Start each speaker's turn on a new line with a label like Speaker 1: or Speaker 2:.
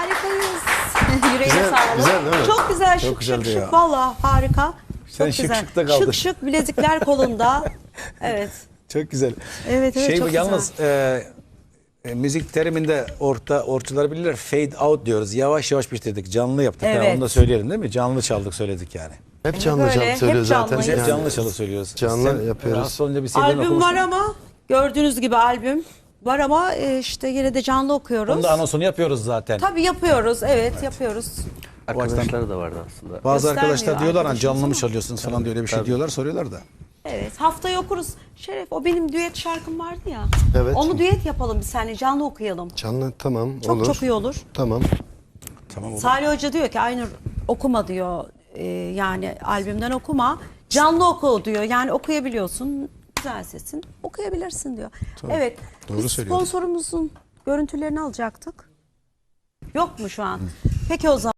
Speaker 1: Harikayız. Yüreğine
Speaker 2: Güzel,
Speaker 1: sağlık.
Speaker 2: güzel değil mi?
Speaker 1: Çok güzel,
Speaker 2: Çok
Speaker 1: şık
Speaker 2: güzeldi
Speaker 1: şık
Speaker 2: ya.
Speaker 1: şık. Valla harika.
Speaker 2: Sen
Speaker 1: Çok
Speaker 2: şık
Speaker 1: güzel.
Speaker 2: şıkta kaldın.
Speaker 1: Şık şık bilezikler kolunda. Evet.
Speaker 2: Çok güzel.
Speaker 1: Evet, evet, çok
Speaker 2: yalnız müzik teriminde ortalar bilirler. Fade out diyoruz. Yavaş yavaş bitirdik. Canlı yaptık.
Speaker 1: Evet.
Speaker 2: Ha, onu da söyleyelim değil mi? Canlı çaldık söyledik yani.
Speaker 3: Hep canlı
Speaker 1: Böyle,
Speaker 3: canlı
Speaker 1: hep
Speaker 3: söylüyor zaten.
Speaker 1: canlıyız.
Speaker 2: Hep
Speaker 1: Yani
Speaker 2: canlı çalı söylüyoruz.
Speaker 3: canlı yapıyoruz.
Speaker 2: Rahatsız olunca bir CD'den
Speaker 1: Albüm
Speaker 2: okumuştun.
Speaker 1: var ama gördüğünüz gibi albüm var ama işte yine de canlı okuyoruz.
Speaker 2: Onun da anonsunu yapıyoruz zaten.
Speaker 1: Tabii yapıyoruz. Evet, yapıyoruz.
Speaker 4: Arkadaşları da vardı aslında.
Speaker 2: Bazı
Speaker 1: Göstermiyor
Speaker 2: arkadaşlar diyorlar hani
Speaker 1: arkadaşımız
Speaker 2: canlı mı
Speaker 1: ama.
Speaker 2: çalıyorsunuz falan diye öyle bir şey diyorlar, soruyorlar da.
Speaker 1: Evet, haftaya okuruz. Şeref, o benim düet şarkım vardı ya.
Speaker 3: Evet.
Speaker 1: Onu düet yapalım bir seninle, canlı okuyalım.
Speaker 3: Canlı tamam
Speaker 1: Çok
Speaker 3: olur.
Speaker 1: çok iyi olur.
Speaker 3: Tamam.
Speaker 2: Tamam olur.
Speaker 1: Salih Hoca diyor ki Aynur okuma diyor. Yani albümden okuma. Canlı oku diyor. Yani okuyabiliyorsun. Güzel sesin. Okuyabilirsin diyor. Evet.
Speaker 3: Doğru
Speaker 1: Biz
Speaker 3: söylüyorsun.
Speaker 1: sponsorumuzun görüntülerini alacaktık. Yok mu şu an? Peki o zaman.